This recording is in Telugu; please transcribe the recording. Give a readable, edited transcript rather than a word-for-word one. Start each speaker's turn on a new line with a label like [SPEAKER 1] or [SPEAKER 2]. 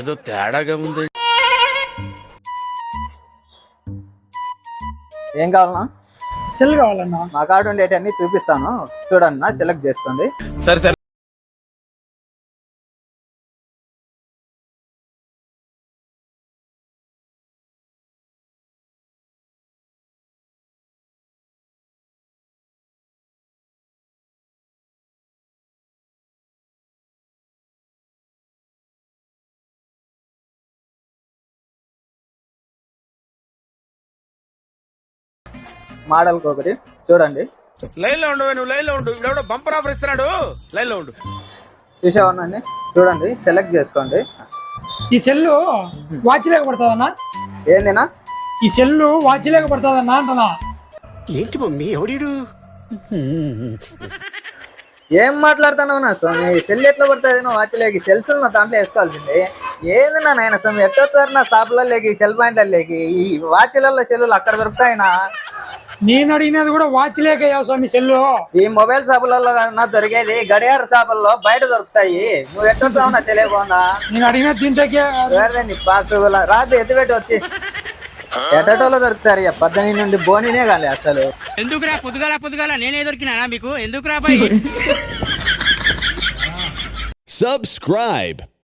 [SPEAKER 1] ఏదో తేడాగా ఉంది.
[SPEAKER 2] ఏం కావాలన్నా?
[SPEAKER 3] సెల్ కావాలన్నా.
[SPEAKER 2] మా కార్డు ఉండేటన్ని చూపిస్తాను చూడన్నా, సెలెక్ట్ చేసుకోండి.
[SPEAKER 1] సరే సరే.
[SPEAKER 2] మోడల్కి ఒకటి చూడండి.
[SPEAKER 1] లైన్ లో ఉండు, నువ్వు లైన్ లో ఉండు. ఇప్పుడు బంపర్ ఆఫర్ ఇస్తున్నాడు, లైన్ లో ఉండు.
[SPEAKER 2] చూసావన్నా? చూడండి, సెలెక్ట్ చేసుకోండి.
[SPEAKER 3] ఈ సెల్లు వాచ్ లేక పడుతుందన్నా?
[SPEAKER 2] ఏందినా?
[SPEAKER 3] ఈ సెల్లు వాచ్ లేక పడుతుందన్నా అంటనా?
[SPEAKER 4] ఏంటి మమ్మీ ఎవడీడు?
[SPEAKER 2] ఏం మాట్లాడుతున్నావు నా స్వామి? సెల్ ఎట్లా పడుతుంది? నువ్వు వాచ్లేకి సెల్స్ నా దాంట్లో వేసుకోవాల్సింది. ఏంది నా నాయన స్వామి, ఎట్టొస్తారు నా షాపులలోకి, సెల్ పాయింట్లలోకి? ఈ వాచ్లలో సెల్లులు అక్కడ దొరుకుతాయినా?
[SPEAKER 3] నేను అడిగినది కూడా వాచ్ లేక స్వామి సెల్లు.
[SPEAKER 2] ఈ మొబైల్ షాపులలో నా దొరికేది గడియార షాపుల్లో బయట దొరుకుతాయి. నువ్వు ఎట్టొస్తావు నా తెలియకుండా?
[SPEAKER 3] నేను అడిగినది దీంట్లోకే.
[SPEAKER 2] నీ పాసు రాబి ఎత్తుపెట్టి వచ్చి ఎటటోలో దొరుకుతారు. 18 నుండి బోనినే కాలే అసలు.
[SPEAKER 5] ఎందుకురా పొద్దుగాల నేనే దొరికినా మీకు? ఎందుకురా బాయ్?
[SPEAKER 4] Subscribe.